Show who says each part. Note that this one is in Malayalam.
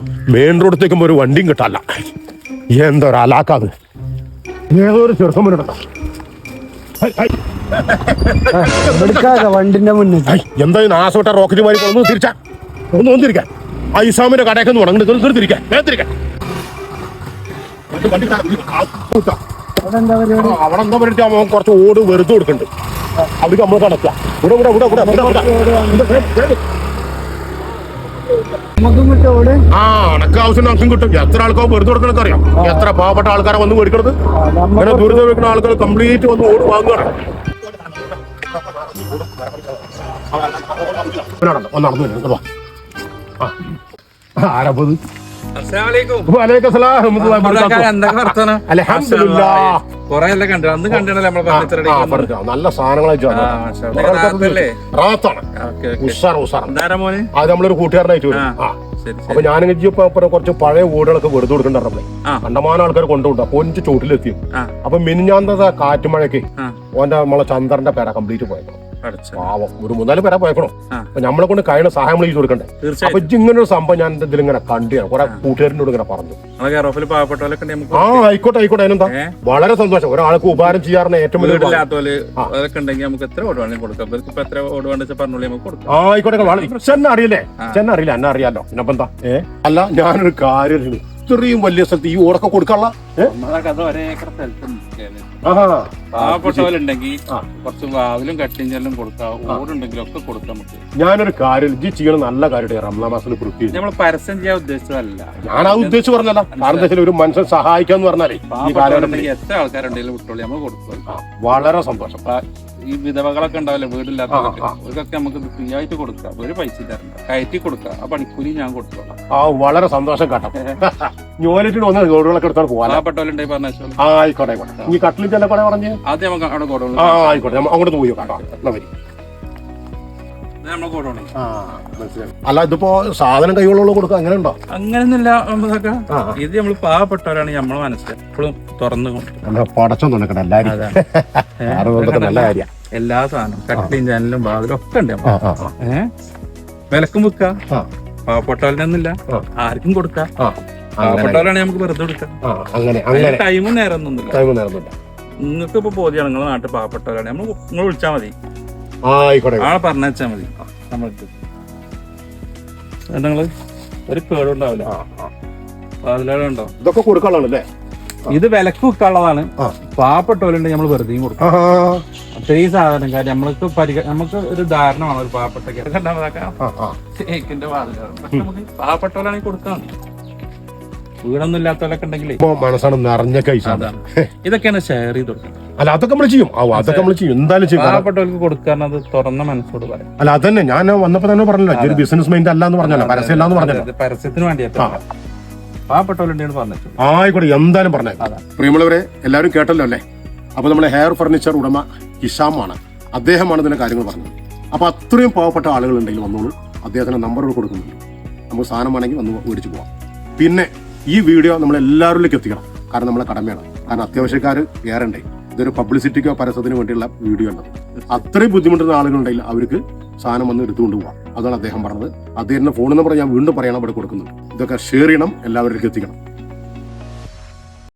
Speaker 1: മെയിൻ റോഡത്തേക്കും ഒരു വണ്ടിയും കിട്ടാല്ല. എന്താ ഒരു അലാക്കാത്, ഏതൊരു ചെറുക്കം വരണ്ട.
Speaker 2: വണ്ടിന്റെ മുന്നിൽ
Speaker 1: എന്താ നാസോട്ട റോക്കറ്റ് മാറി ഒന്ന് തിരിച്ചാ ഒന്ന് തിരിക്കാൻ. ആ ഇസാമിന്റെ കടയൊക്കെ ഒന്ന് ഉണങ്ങി തിരിക്കാൻ. അവിടെ എന്താ പറയുക, അവൻ കുറച്ച് ഓട് വെറുതെ കൊടുക്കുന്നുണ്ട്. അവിടെ നമ്മൾ കണക്കാം. ആ അണക്ക് ആവശ്യം നമുക്കും കിട്ടും. എത്ര ആൾക്കാർ വെറുതെ കൊടുക്കണൊക്കെ അറിയാം. എത്ര പാവപ്പെട്ട ആൾക്കാരെ വന്ന് മേടിക്കണത്. അങ്ങനെ ദുരിതം വെക്കുന്ന ആൾക്കാർ കംപ്ലീറ്റ് വന്ന് ഓട് വാങ്ങുകയാണ്. നടന്നു ആരപ്പത്. നല്ല സാധനങ്ങളായിട്ട് അത് നമ്മളൊരു കൂട്ടുകാരനായിട്ട് വരും. അപ്പൊ ഞാനിങ്ങനെ കുറച്ച് പഴയ വീടുകളൊക്കെ വെറുതെ കൊടുക്കണ്ടേ. കണ്ടമാനം ആൾക്കാർ കൊണ്ടുപോകും. അപ്പൊ എനിക്ക് ചോട്ടിലെത്തിയും. അപ്പൊ മിനിഞ്ഞാന്തത്തെ കാറ്റുമഴയ്ക്ക് ഓന്റെ നമ്മളെ ചന്ദ്രന്റെ പേര കംപ്ലീറ്റ് പോയേക്കണം. പാവം ഒരു 3-4 പേരാ പോയേക്കണോ. അപ്പൊ നമ്മളെ കൊണ്ട് കഴിയുന്ന സഹായം നമ്മൾ ചെയ്ത് കൊടുക്കണ്ടേ. അപ്പൊ ഇങ്ങനെ ഒരു സംഭവം ഞാൻ ഇതിലിങ്ങനെ കണ്ടിയാണ്. കുറെ കൂട്ടുകാരനോട് ഇങ്ങനെ പറഞ്ഞു. ആ ആയിക്കോട്ടെ അതിനെന്താ, വളരെ സന്തോഷം. ഒരാൾക്ക് ഉപകാരം ചെയ്യാറുണ്ട് ഏറ്റവും വലിയ. ആയിക്കോട്ടെ ചെന്ന അറിയില്ലേ, എന്നെ അറിയാലോ. പിന്നെപ്പോ എന്താ അല്ല ഞാനൊരു കാര്യം, ഇത്രയും വലിയ സ്ഥലത്ത് ഈ ഓടൊക്കെ കൊടുക്കാനുള്ള ഞാനൊരു കാര്യം ചെയ്യണം. നല്ല കാര്യം റംസാൻ മാസത്തിൽ
Speaker 3: പരസ്യം ചെയ്യാൻ ഉദ്ദേശിച്ചതല്ല.
Speaker 1: ഞാൻ അത് ഉദ്ദേശിച്ച് പറഞ്ഞല്ല. കാരണം ഒരു മനുഷ്യൻ സഹായിക്കാന്ന് പറഞ്ഞാലേ ഈ കാലഘട്ടത്തിൽ
Speaker 3: എത്ര ആൾക്കാരുണ്ടെങ്കിലും വിട്ടോളി നമ്മൾ കൊടുക്കും.
Speaker 1: വളരെ സന്തോഷം.
Speaker 3: ഈ വിധവകളൊക്കെ ഉണ്ടാവില്ല വീടില്ലാത്തവർക്ക്, അവർക്കൊക്കെ നമുക്ക് ഫ്രീ ആയിട്ട് കൊടുക്കാം. ഒരു പൈസ തരണ്ട, കയറ്റി കൊടുക്കാം. ആ പണിക്കൂലി ഞാൻ കൊടുത്തോളാം.
Speaker 1: ആ വളരെ സന്തോഷം കേട്ടോ. ഞോലിട്ട് വന്ന് റോഡുകളൊക്കെ എടുത്താൽ പോകാൻ
Speaker 3: പാവപ്പെട്ടവരുണ്ടെങ്കിൽ പറഞ്ഞു.
Speaker 1: ആയിക്കോട്ടെ ഈ കട്ടിലിൽ ചെല്ല കട പറഞ്ഞു.
Speaker 3: ആദ്യം നമുക്ക് അവിടെ കൊടുക്കണം.
Speaker 1: ആയിക്കോട്ടെ അങ്ങോട്ട് പോയി കേട്ടോ. അല്ല ഇതിപ്പോ സാധനം കൈകൊള്ളുള്ള കൊടുക്കുക അങ്ങനെ ഉണ്ടോ?
Speaker 3: അങ്ങനെയൊന്നുമില്ല. ഇത് നമ്മള് പാവപ്പെട്ടവരാണ്. നമ്മളെ മനസ്സിൽ എപ്പോഴും തുറന്നു
Speaker 1: പടച്ചം തുണക്കണം എല്ലാരും. നല്ല കാര്യം.
Speaker 3: എല്ലാ സാധനവും കട്ടിയും ജനലും വാതിലും ഒക്കെ ഉണ്ട്. വിലക്കും വിൽക്കാം. പാവപ്പെട്ടവരിനൊന്നുമില്ല, ആർക്കും കൊടുക്കാം. പാവപ്പെട്ടവരാണ് നമുക്ക് വെറുതെ കൊടുക്കാം. ടൈമും നേരം ഒന്നുമില്ല. നിങ്ങൾക്ക് ഇപ്പൊ ബോധ്യമാണ് നിങ്ങളെ നാട്ടിൽ പാവപ്പെട്ടവരാണ്. നിങ്ങൾ വിളിച്ചാൽ മതി, ആളെ പറഞ്ഞാൽ മതി. നമ്മൾക്ക് നിങ്ങള് ഒരു കേടുണ്ടാവില്ല. വാതിലുണ്ടോ
Speaker 1: ഇതൊക്കെ കൊടുക്കാനുള്ളതല്ലേ.
Speaker 3: ഇത് വിലക്ക് വിൽക്കാനുള്ളതാണ്. പാവപ്പെട്ടവരുണ്ടെങ്കിൽ നമ്മൾ വെറുതെയും കൊടുക്കാം. അത്രയും സാധനം കാര്യം നമുക്ക് ഒരു ധാരണമാണ്. ഒരു പാവപ്പെട്ട പാവപ്പെട്ടവരാണെങ്കിൽ കൊടുക്കാം. വീടൊന്നും ഇല്ലാത്തവരൊക്കെ ഉണ്ടെങ്കിൽ
Speaker 1: മനസ്സാണ് നിറഞ്ഞ കൈസ.
Speaker 3: ഇതൊക്കെയാണ് ഷെയർ ചെയ്ത് കൊടുക്കുന്നത്.
Speaker 1: അല്ല അതൊക്കെ നമ്മൾ ചെയ്യും. അതൊക്കെ നമ്മൾ ചെയ്യും. എന്തായാലും ചെയ്യും.
Speaker 3: പാവപ്പെട്ടവർക്ക് കൊടുക്കാൻ അത് തുറന്ന മനസ്സോട് പറയാം.
Speaker 1: അല്ല അതന്നെ ഞാൻ വന്നപ്പോ തന്നെ പറഞ്ഞല്ലോ, ഒരു ബിസിനസ് മൈൻഡ് അല്ല എന്ന് പറഞ്ഞല്ലോ, പരസ്യം അല്ലാന്ന് പറഞ്ഞല്ലോ.
Speaker 3: പരസ്യത്തിന് വേണ്ടിയാ പാവപ്പെട്ടവരുണ്ടെന്ന് പറഞ്ഞു.
Speaker 1: ആയിക്കോട്ടെ എന്തായാലും പറഞ്ഞു. പ്രിയമുള്ളവരെ എല്ലാവരും കേട്ടല്ലോ അല്ലേ. അപ്പൊ നമ്മളെ ഹെയർ ഫർണിച്ചർ ഉടമ ഹിഷാമാണ്, അദ്ദേഹമാണ് ഇതിന്റെ കാര്യങ്ങൾ പറഞ്ഞത്. അപ്പൊ അത്രയും പാവപ്പെട്ട ആളുകൾ ഉണ്ടെങ്കിൽ വന്നോളൂ. അദ്ദേഹത്തിന്റെ നമ്പറുകൾ കൊടുക്കുന്നുണ്ട്. നമുക്ക് സാധനം വേണമെങ്കിൽ വന്ന് മേടിച്ചു പോവാം. പിന്നെ ഈ വീഡിയോ നമ്മൾ എല്ലാവരിലേക്ക് എത്തിക്കണം. കാരണം നമ്മളെ കടമയാണ്. കാരണം അത്യാവശ്യക്കാർ ഏറെണ്ടേ. ഇതൊരു പബ്ലിസിറ്റിക്കോ പരസ്യത്തിനോ വേണ്ടിയുള്ള വീഡിയോ ഉണ്ട്. അത്രയും ബുദ്ധിമുട്ടുന്ന ആളുകളുണ്ടെങ്കിൽ അവർക്ക് സാധനം വന്ന് എടുത്തുകൊണ്ട് പോവാം. അതാണ് അദ്ദേഹം പറഞ്ഞത്. അദ്ദേഹത്തിന്റെ ഫോൺ നമ്പർ ഞാൻ വീണ്ടും പറയണം, ഇവിടെ കൊടുക്കുന്നുണ്ട്. ഇതൊക്കെ ഷെയർ ചെയ്യണം, എല്ലാവരിലേക്ക് എത്തിക്കണം.